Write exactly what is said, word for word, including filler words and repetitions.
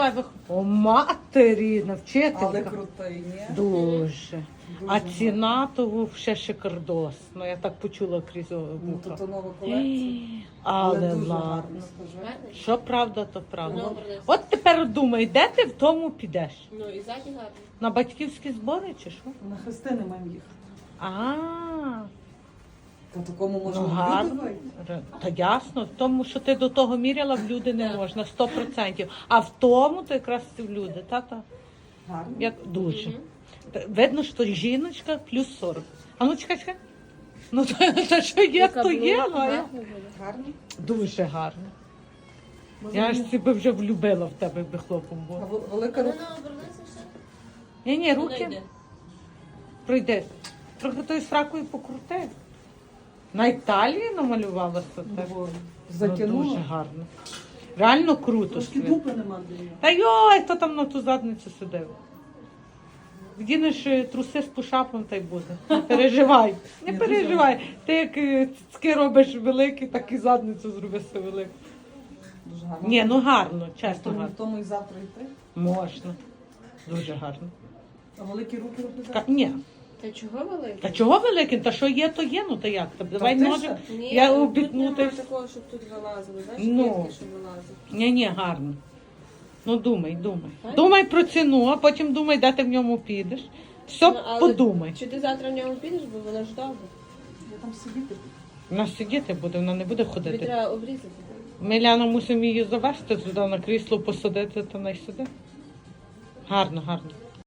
О, матері, навчителька. Але крутий, ні? Дуже. А Дуже ціна того ще шикардос. Ну, я так почула крізь Ну, то вуха. то нова колекція. Але дуже ладно. гарно, скажи. Що правда, то правда. Добре. От тепер думай, де ти в тому підеш? Ну і ззаді гарно. На батьківські збори чи що? На хрестини маємо їхати. А, Та такому можна ну в люди гарно. вийти. Ре- Та ясно, в тому, що ти до того міряла, в люди не можна, сто процентів. А в тому, то якраз ти в люди, та-та. Гарно. Як дуже. Та видно, що жіночка плюс сорок. А ну чекай, чекай. Ну, та, та що є, то є. Гарно Галя. буде. Гарно. Дуже гарно. Може, Я ж мені- себе вже влюбила в тебе, якби хлопом А була. вел- велика Ну, рука. ну, обернися все. Ні, ні, Вона руки. йде. Пройди. Трохи тою сракою покрути. На Італії намалювалася так. Бо Ну, Затягнула. дуже гарно. Реально круто. Трошки Свят. дупи нема для нього. Та йой, хто там на ту задницю сидив? Вдінеш е, труси з пушапом, та й буде. Не переживай, не Ні, переживай. Ти як е, цицьки робиш великі, так і задницю зроби все велику. Дуже гарно. Ні, ну гарно, В чесно тому, в гарно. тому і завтра йти. Можна. Дуже гарно. А великі руки робити. Ка- Ні. Та чого великий? Та чого великий? Та що є, то є, ну та як? Та давай ти може. що? Ні, Я тут обітну, немає та й- такого, щоб тут вилазило. Знаєш, Ну. квітки, щоб вилазили. Ні, ні, гарно. Ну думай, думай. Так? Думай про ціну, а потім думай, де ти в ньому підеш. Все Ну, але подумай. Чи ти завтра в ньому підеш, бо воно ж добре. Я там сидіти. Вона сидіти буде, вона не буде Тобі ходити. треба обрізати. Ми Ляна мусимо її завести туди на крісло посадити, то не сиди. Гарно, гарно.